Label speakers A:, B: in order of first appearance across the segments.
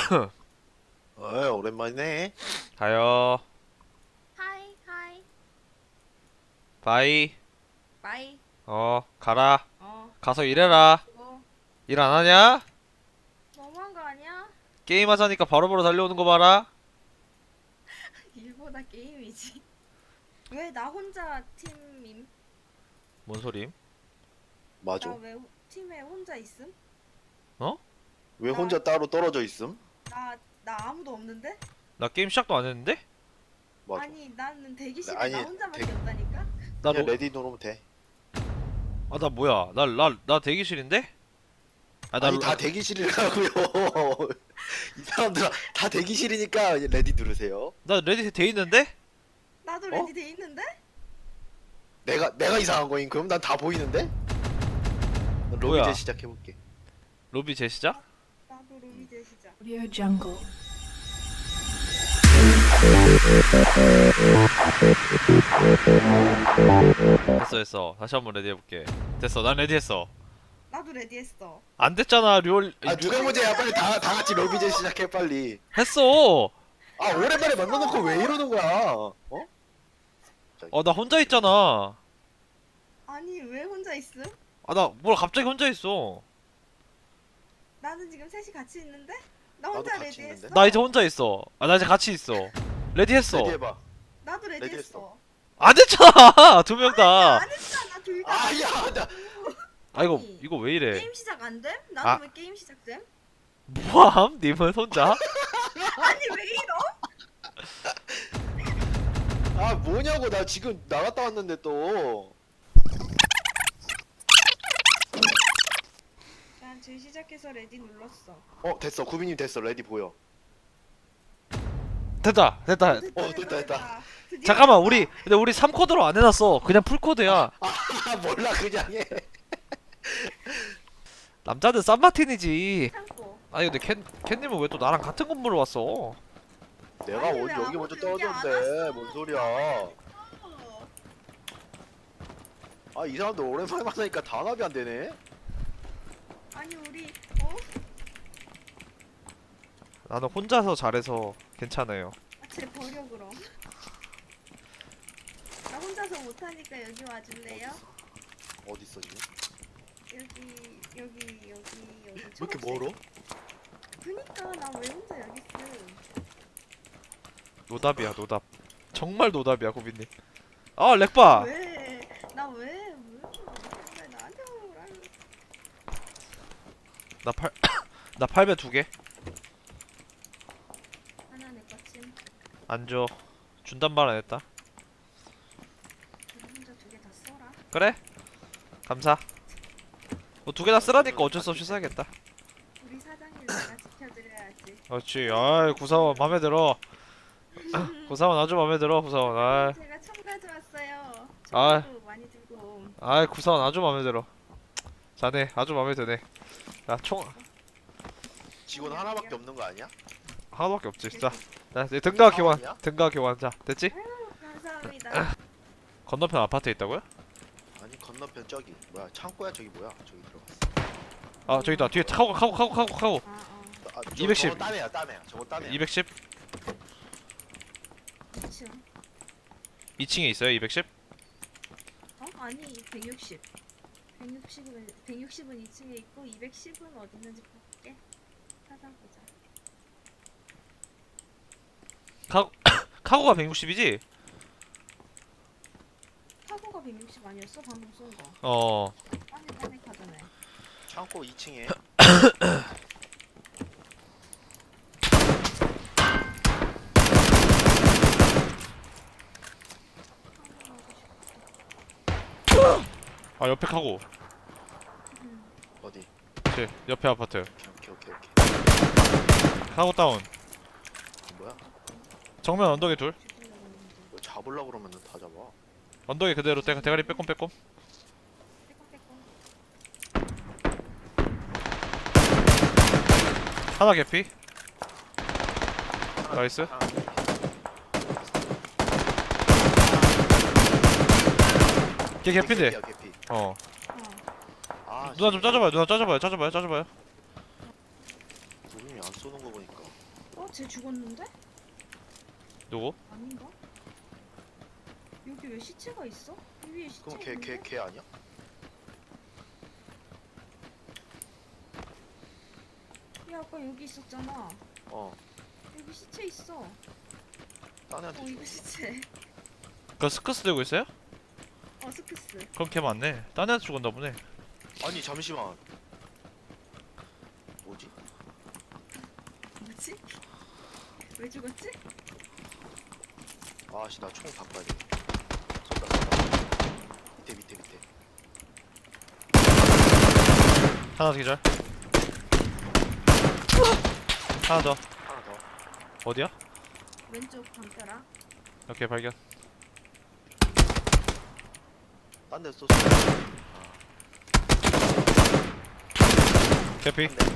A: 어이, 오랜만이네.
B: 가요.
C: 하이 하이
B: 바이.
C: 바이.
B: 가라. 가서 일해라.
C: 그거
B: 일 안 하냐?
C: 너무한 거 아니야?
B: 게임 하자니까 바로바로 달려오는 거 봐라.
C: 일보다 게임이지. 왜 나 혼자 팀임?
B: 뭔 소림?
A: 맞아.
C: 나 왜 팀에 혼자 있음?
A: 왜 혼자 따로 떨어져 있음?
C: 나 아무도 없는데?
B: 나 게임 시작도 안 했는데?
A: 맞아.
C: 아니 나는 대기실에
A: 아니,
C: 나 혼자밖에
A: 대-
C: 없다니까?
B: 나
A: 그냥
B: 로...
A: 레디 누르면 돼.
B: 나 뭐야? 나 대기실인데? 나
A: 아니, 다 대기실이라고요. 이 사람들아, 다 대기실이니까 이제 레디 누르세요.
B: 나 레디 돼 있는데?
C: 나도
A: 어?
C: 레디 돼 있는데?
A: 내가 이상한 거임. 그럼 난 다 보이는데? 난 로비
B: 뭐야?
A: 이제 시작해볼게.
B: 로비 재시작?
C: 나도 로비제 시작.
D: Audio Jungle.
B: 됐어. 다시 한번 레디 해볼게. 됐어. 난 레디 했어.
C: 나도 레디 했어.
B: 안 됐잖아.
A: 아, 누가 문제야? 빨리 다 같이 로비 이제 시작해, 빨리.
B: 했어.
A: 아, 오랜만에 만나놓고 왜 이러는 거야? 어?
B: 나 혼자 있잖아.
C: 아니 왜 혼자 있음?
B: 나 뭘 갑자기 혼자 있어.
C: 나는 지금 셋이 같이 있는데? 나
A: 나도
C: 혼자
A: 같이
C: 레디
A: 있는데?
C: 했어?
B: 나 이제 혼자 있어. 나 이제 같이 있어. 레디 했어.
A: 레디 해봐.
C: 나도 레디
A: 레디
C: 했어.
B: 안 됐잖아. 두 명 다.
C: 안 했잖아 둘 다.
A: 아, 야, 나.
B: 이거 왜 이래?
C: 게임 시작 안 됨?
B: 아.
C: 나는 왜 게임 시작됨?
B: 뭐함? 님은 혼자?
C: 아니 왜 이러?
A: 아, 뭐냐고. 나 지금 나갔다 왔는데 또.
C: 난 재시작해서 레디 눌렀어.
A: 됐어. 구비님 됐어. 레디 보여.
B: 됐다.
A: 됐다.
C: 드디어
B: 잠깐만,
C: 됐다.
B: 근데 우리 3코드로 안 해놨어. 그냥 풀코드야.
A: 아, 몰라. 그냥 해.
B: 남자는 쌈마틴이지.
C: 참고.
B: 아니, 근데 캔님은 왜 또 나랑 같은 건물로 왔어?
A: 내가
C: 아니, 왜
A: 여기
C: 아무도
A: 먼저
C: 여기 안
A: 떨어졌는데.
C: 왔어?
A: 뭔 소리야.
C: 어.
A: 아, 이 사람들 오랜만에 만나니까 단합이 안 되네.
C: 아니 우리
B: 나는 혼자서 잘해서 괜찮아요.
C: 쟤 버려 그럼. 나 혼자서 못하니까 여기 와줄래요?
A: 어딨어 지금?
C: 여기.
A: 왜 이렇게 멀어?
C: 그니까 나 왜 혼자 여기 있음?
B: 노답이야, 노답. 정말 노답이야, 고빈님. 렉바!
C: 왜? 나 왜? 왜 나한테 오라?
B: 나 8배 2개?
C: 하나 내 거침.
B: 안 줘. 준단 말 안 했다.
C: 우리 혼자 두 개 다 써라.
B: 그래? 감사. 뭐 2개 다 쓰라니까 어쩔 수 없이 써야겠다.
C: 우리 사장님 내가 지켜드려야지.
B: 그렇지. 구사원 맘에 들어. 구사원 아주 맘에 들어, 구사원.
C: 제가 총 가져왔어요.
B: 아.
C: 총도 많이 들고 옴.
B: 구사원 아주 맘에 들어. 자네 아주 맘에 드네. 야, 총
A: 직원 하나밖에 없는 거 아니야?
B: 하나밖에 없지. 자, 이제 등가 교환.
A: 사원이야?
B: 등가 교환. 자, 됐지?
C: 감사합니다.
B: 건너편 아파트에 있다고요?
A: 아니, 건너편 저기 뭐야? 창고야 저기 뭐야? 저기 들어갔어.
B: 저기 있다. 뒤에 카고.
C: 아,
B: 210.
A: 저거 딴 애야, 딴 애야. 저거 딴 애야.
B: 210.
C: 2층.
B: 2층에 있어요. 210.
C: 아니 160. 160은 2층에 있고 210은 어디 있는지 볼게. 찾아보자.
B: 카고가 160이지?
C: 카고가 160 아니었어? 방금 쏜 거. 빠네 가잖아요.
A: 창고 2층에.
B: 옆에 카고.
A: 어디?
B: 옆에 아파트.
A: 오케이.
B: 카고 다운.
A: 뭐야?
B: 정면 언덕에 둘.
A: 뭐 잡으려고 그러면은 다 잡아.
B: 언덕에 그대로 대가리 빼꼼.
C: 빼꼼빼꼼.
B: 하나 개피. 나이스. 걔 개피인데.
A: 개피야, 개피.
C: 어.
A: 아,
B: 누나 좀 짜줘봐요. 누나 짜줘봐요.
A: 아니 안 쏘는 거 보니까.
C: 쟤 죽었는데?
B: 누구?
C: 아닌가? 여기 왜 시체가 있어? 이 위에 시체
A: 그럼
C: 있는데?
A: 걔 아니야?
C: 야 아까 여기 있었잖아.
A: 어.
C: 여기 시체 있어.
A: 딴 애한테
C: 이거 시체.
B: 그 스크스 들고 있어요?
C: 스크스.
B: 그럼 걔 맞네. 딴 애한테 죽었나 보네.
A: 아니 잠시만. 뭐지?
C: 뭐지? 왜 죽었지?
A: 아씨 나 총 바꿔야 돼. 쏜다. 밑에.
B: 하나 더 기절. 하나 더.
A: 하나 더.
B: 어디야?
C: 왼쪽 담벼락.
B: 오케이 발견.
A: 딴 데 쏘.
B: 개피.
A: 한 대.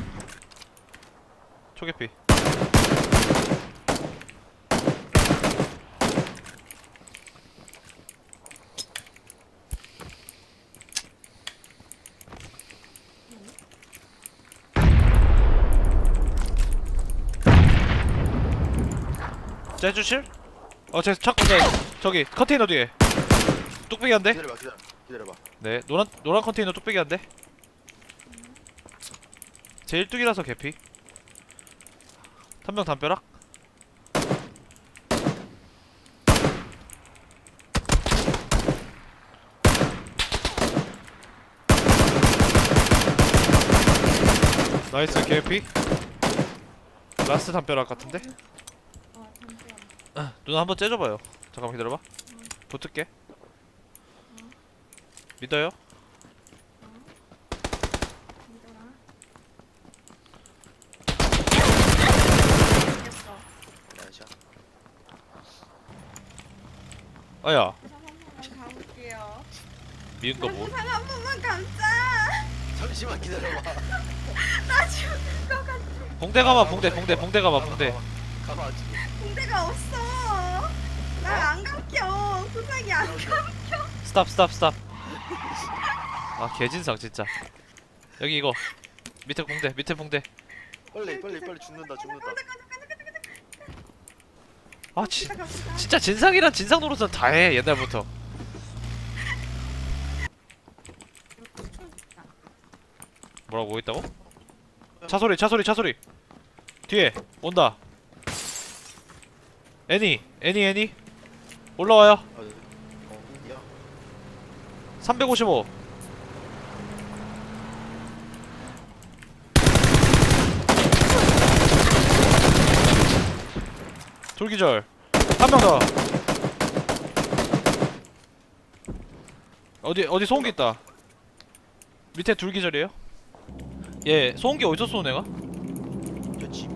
B: 초개피. 째주실? 쟤 찾고 저기 컨테이너 뒤에 뚝배기 한 대?
A: 기다려봐.
B: 네 노란 컨테이너 뚝배기 한 대. 제 1뚝이라서 개피. 한 명 담벼락. 나이스 개피. 라스트 담벼락 같은데?
C: 담벼락.
B: 누나 한번 째줘봐요. 잠깐만 기다려봐. 붙을게. 믿어요?
C: 믿어라. 이겼어.
A: 나이샤.
B: 아야
C: 한 번만 가볼게요.
B: 미운 거 뭐?
C: 부상 한 번만 감자.
A: 잠시만 기다려봐.
C: 나 죽을 것 같아.
B: 봉대 가봐 봉대 가봐 봉대.
A: 가봐 지금.
C: 군대가 없어. 날 안 감겨. 부상이 안 감겨.
B: 스탑. 아 개진상 진짜. 여기 이거 밑에 봉대.
A: 빨리 죽는다.
B: 아 진짜 진상이란 진상 노릇은 다 해 옛날부터. 뭐라고 뭐 있다고? 차소리 뒤에 온다. 애니 올라와요.
A: 야.
B: 355. 돌기절. 한 명 더. 어디 소음기 있다. 밑에 둘기절이에요? 얘 소음기 어디서 쏘는 애가?
A: 집.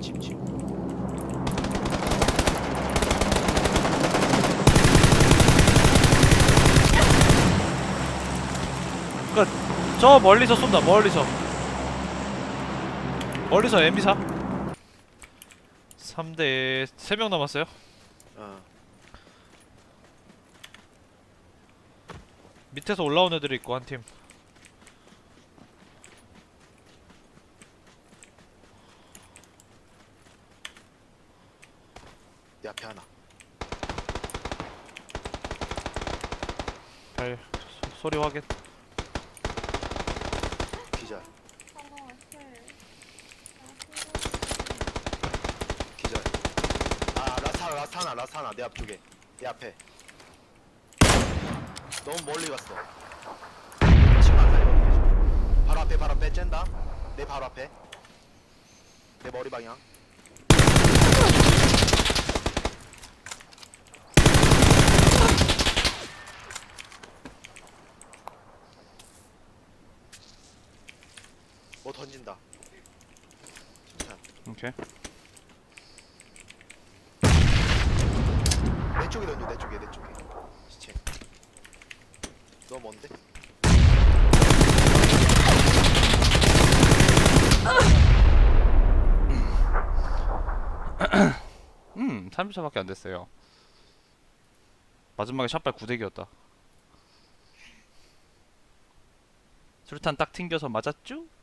B: 저 멀리서 쏜다. 멀리서 MB4 3대 3명 남았어요.
A: 어.
B: 밑에서 올라온 애들이 있고 한 팀.
A: 내 앞에 하나.
B: 발 소리 확인.
A: 기절.
C: 하나 앞에.
A: 기절. 아 라스 하나 내 앞쪽에. 내 앞에. 너무 멀리 갔어. 지금 안 살려. 바로 앞에 쨘다. 내 바로 앞에. 내 머리 방향. 뭐 던진다. 자,
B: 오케이.
A: 내 쪽에 던져. 내 쪽에. 시체. 너 뭔데?
B: 30초밖에 안 됐어요. 마지막에 샷발 9대기였다. 수류탄 딱 튕겨서 맞았죠?